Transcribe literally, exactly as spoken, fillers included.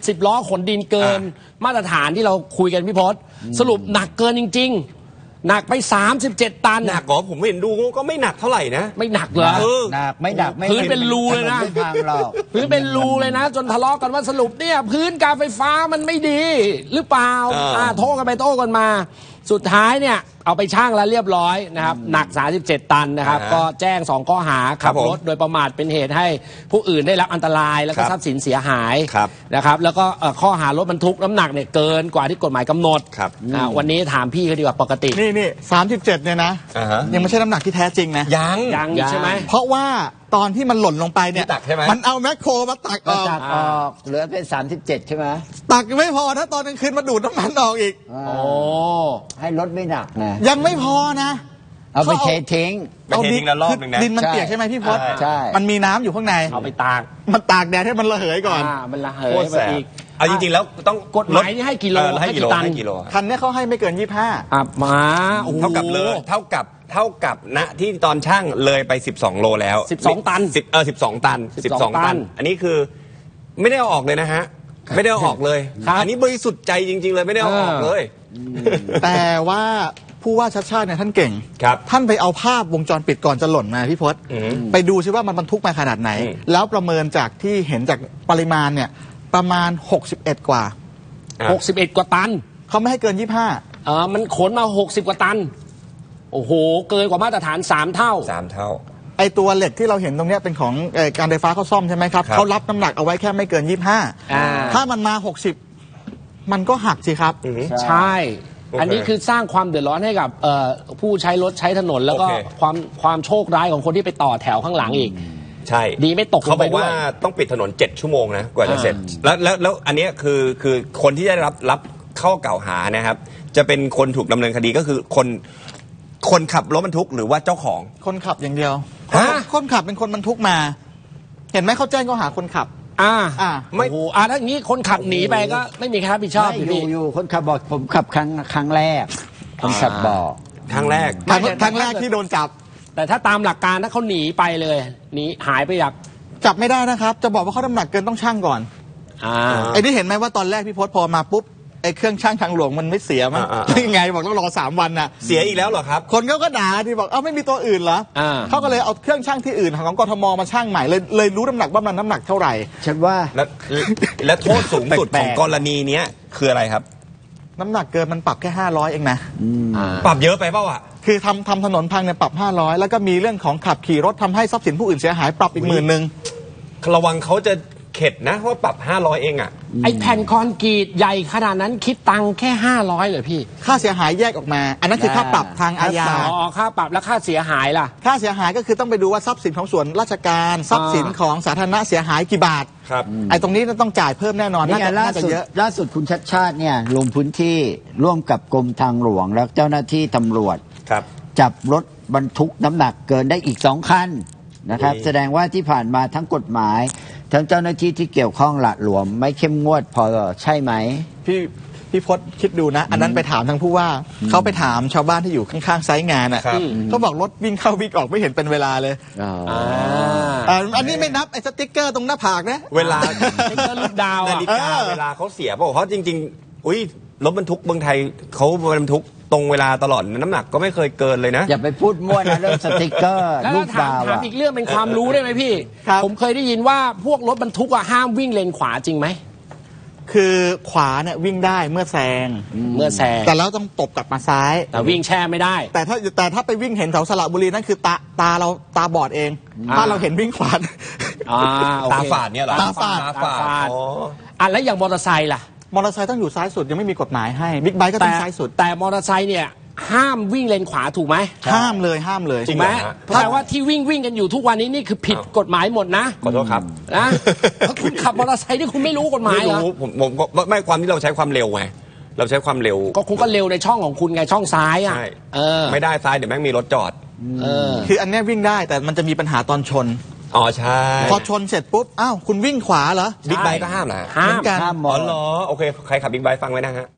สิบล้อขนดินเกินมาตรฐานที่เราคุยกันพี่พศสรุปหนักเกินจริงๆหนักไปสามสิบเจ็ดตันหนักเหรอผมเห็นดูก็ไม่หนักเท่าไหร่นะไม่หนักเหรอหนักไม่หนักพื้นเป็นรูเลยนะพื้นเป็นรูเลยนะจนทะเลาะกันว่าสรุปเนี่ยพื้นการไฟฟ้ามันไม่ดีหรือเปล่าอ่าโต้กันไปโต้กันมาสุดท้ายเนี่ยเอาไปชั่งแล้วเรียบร้อยนะครับหนักสามสิบเจ็ดตันนะครับก็แจ้งสองข้อหาขับรถโดยประมาทเป็นเหตุให้ผู้อื่นได้รับอันตรายแล้วก็ทรัพย์สินเสียหายนะครับแล้วก็ข้อหารถบรรทุกน้ำหนักเนี่ยเกินกว่าที่กฎหมายกำหนดวันนี้ถามพี่เขาดีกว่าปกตินี่นี่สามสิบเจ็ดเนี่ยนะยังไม่ใช่น้ำหนักที่แท้จริงนะยังยังใช่ไหมเพราะว่าตอนที่มันหล่นลงไปเนี่ยมันเอาแมคโครมาตักออกเหลือเป็นสามสิบเจ็ดใช่ไหมตักไม่พอถ้าตอนกลางคืนมาดูดน้ำมันออกอีกโอ้ให้รถไม่หนักนะยังไม่พอนะเอาไปเททิ้งเอาดินละรอบนึงนะดินมันเปียกใช่ไหมพี่พศใช่มันมีน้ำอยู่ข้างในเอาไปตากมันตากแดดให้มันระเหยก่อนมันระเหยไปอีกเอาจริงๆแล้วต้องกฎหมายนี่ให้กิโลให้กิโลให้กิโลคันนี้เขาให้ไม่เกินยี่สิบห้าอ่ะมาเท่ากับเลยเท่ากับเท่ากับณที่ตอนช่างเลยไปสิบสองโลแล้วสิบสองตันสิบเออสิบสองตันสิบสองตันอันนี้คือไม่ได้เอาออกเลยนะฮะไม่ได้เอาออกเลยอันนี้บริสุทธิ์ใจจริงๆเลยไม่ได้เอาออกเลยแต่ว่าผู้ว่าชัดชาติเนี่ยท่านเก่งท่านไปเอาภาพวงจรปิดก่อนจะหล่นมาพี่พศไปดูซิว่ามันบรรทุกมาขนาดไหนแล้วประเมินจากที่เห็นจากปริมาณเนี่ยประมาณหกสิบเอ็ดกว่าหกสิบเอ็ดกว่าตันเขาไม่ให้เกินยี่สิบห้าเออมันขนมาหกสิบกว่าตันโอ้โหเกินกว่ามาตรฐานสามเท่าสามเท่าไอตัวเหล็กที่เราเห็นตรงนี้เป็นของการไฟฟ้าเขาซ่อมใช่ไหมครับเขารับน้ำหนักเอาไว้แค่ไม่เกินยี่สิบห้าถ้ามันมาหกสิบมันก็หักสิครับใช่อันนี้คือสร้างความเดือดร้อนให้กับผู้ใช้รถใช้ถนนแล้วก็ความความโชคร้ายของคนที่ไปต่อแถวข้างหลังอีกใช่ดีไม่ตกเขาบอกว่าต้องปิดถนนเจ็ดชั่วโมงนะกว่าจะเสร็จแล้วแล้วแล้วอันนี้คือคือคนที่ได้รับรับข้อกล่าวหานะครับจะเป็นคนถูกดำเนินคดีก็คือคนคนขับรถบรรทุกหรือว่าเจ้าของคนขับอย่างเดียวคนขับเป็นคนบรรทุกมาเห็นไหมเขาแจ้งข้อหาคนขับอ่าอ่าไม่โอ้อ่าถ้าอย่างนี้คนขับหนีไปก็ไม่มีใครรับผิดชอบอยู่อยู่คนขับบอกผมขับครั้งครั้งแรกคนขับบอกครั้งแรกครั้งแรกที่โดนจับแต่ถ้าตามหลักการถ้าเขาหนีไปเลยหนีหายไปอยากจับไม่ได้นะครับจะบอกว่าเขาน้ำหนักเกินต้องชั่งก่อนอ่าไอ้นี่เห็นไหมว่าตอนแรกพี่พศพอมาปุ๊บไอ้เครื่องชั่งทางหลวงมันไม่เสียมั้งยังไงบอกต้องรอสามวันน่ะเสียอีกแล้วเหรอครับคนเขาก็ด่าที่บอกเอ้าไม่มีตัวอื่นเหรอเขาก็เลยเอาเครื่องชั่งที่อื่นของกทมมาชั่งใหม่เลยเลยรู้น้ำหนักว่ามันน้ำหนักเท่าไหร่ฉันว่าแล้วและโทษสูงสุดของกรณีนี้คืออะไรครับน้ำหนักเกินมันปรับแค่ห้าร้อยเองนะปรับเยอะไปเปล่าอ่ะคือทำทำถนนพังเนี่ยปรับห้าร้อยแล้วก็มีเรื่องของขับขี่รถทำให้ทรัพย์สินผู้อื่นเสียหายปรับอีกหมื่นหนึ่งระวังเขาจะเข็ดนะว่าปรับห้าร้อยเองอ่ะไอแผ่นคอนกรีตใหญ่ขนาดนั้นคิดตังค์แค่ห้าร้อยเลยพี่ค่าเสียหายแยกออกมาอันนั้นคือค่าปรับทางอาญาอ๋อค่าปรับแล้วค่าเสียหายล่ะค่าเสียหายก็คือต้องไปดูว่าทรัพย์สินของส่วนราชการทรัพย์สินของสาธารณะเสียหายกี่บาทครับไอตรงนี้ต้องจ่ายเพิ่มแน่นอนน่าจะล่าสุดล่าสุดคุณชัดชาติเนี่ยลงพื้นที่ร่วมกับกรมทางหลวงและเจ้าหน้าที่ตำรวจครับจับรถบรรทุกน้ำหนักเกินได้อีกสองคันนะครับแสดงว่าที่ผ่านมาทั้งกฎหมายทั้งเจ้าหน้าที่ที่เกี่ยวข้องหละหลวมไม่เข้มงวดพอใช่ไหมพี่พี่พศคิดดูนะอันนั้นไปถามทางผู้ว่าเขาไปถามชาวบ้านที่อยู่ข้างๆไซต์งานอ่ะเขาบอกรถวิ่งเข้าวิ่งออกไม่เห็นเป็นเวลาเลยอันนี้ไม่นับไอ้สติ๊กเกอร์ตรงหน้าผากนะเวลาลูกดาวนาฬิกาเวลาเขาเสียเพราะจริงๆอุ้ยรถบรรทุกเมืองไทยเขาบรรทุกตรงเวลาตลอดน้ำหนักก็ไม่เคยเกินเลยนะอย่าไปพูดมั่วนะเรื่องสติ๊กเกอร์ลูกดาวถามอีกเรื่องเป็นความรู้ได้ไหมพี่ผมเคยได้ยินว่าพวกรถบรรทุกอะห้ามวิ่งเลนขวาจริงไหมคือขวาเนี่ยวิ่งได้เมื่อแซงเมื่อแซงแต่แล้วต้องตบกลับมาซ้ายแต่วิ่งแช่ไม่ได้แต่ถ้าแต่ถ้าไปวิ่งเห็นแถวสระบุรีนั่นคือตาตาเราตาบอดเองถ้าเราเห็นวิ่งขวาตาฝาดเนี่ยเหรอตาฝาดตาฝาดอ่ะแล้วอย่างมอเตอร์ไซค์ล่ะมอเตอร์ไซค์ต้องอยู่ซ้ายสุดยังไม่มีกฎหมายให้บิ๊กไบค์ก็ต้องซ้ายสุดแต่มอเตอร์ไซค์เนี่ยห้ามวิ่งเลนขวาถูกไหมห้ามเลยห้ามเลยถูกไหมแปลว่าที่วิ่งวิ่งกันอยู่ทุกวันนี้นี่คือผิดกฎหมายหมดนะขอโทษครับนะเพราะคุณขับมอเตอร์ไซค์ที่คุณไม่รู้กฎหมายเหรอผมผมไม่ความที่เราใช้ความเร็วไงเราใช้ความเร็วก็คุณก็เร็วในช่องของคุณไงช่องซ้ายอ่ะไม่ได้ซ้ายเดี๋ยวแม่งมีรถจอดคืออันนี้วิ่งได้แต่มันจะมีปัญหาตอนชนอ๋อใช่พอชนเสร็จปุ๊บอ้าวคุณวิ่งขวาเหรอบิ๊กไบค์ก็ห้ามนะห้ามกันอ๋อเหรอโอเคใครขับบิ๊กไบค์ฟังไว้นะฮะ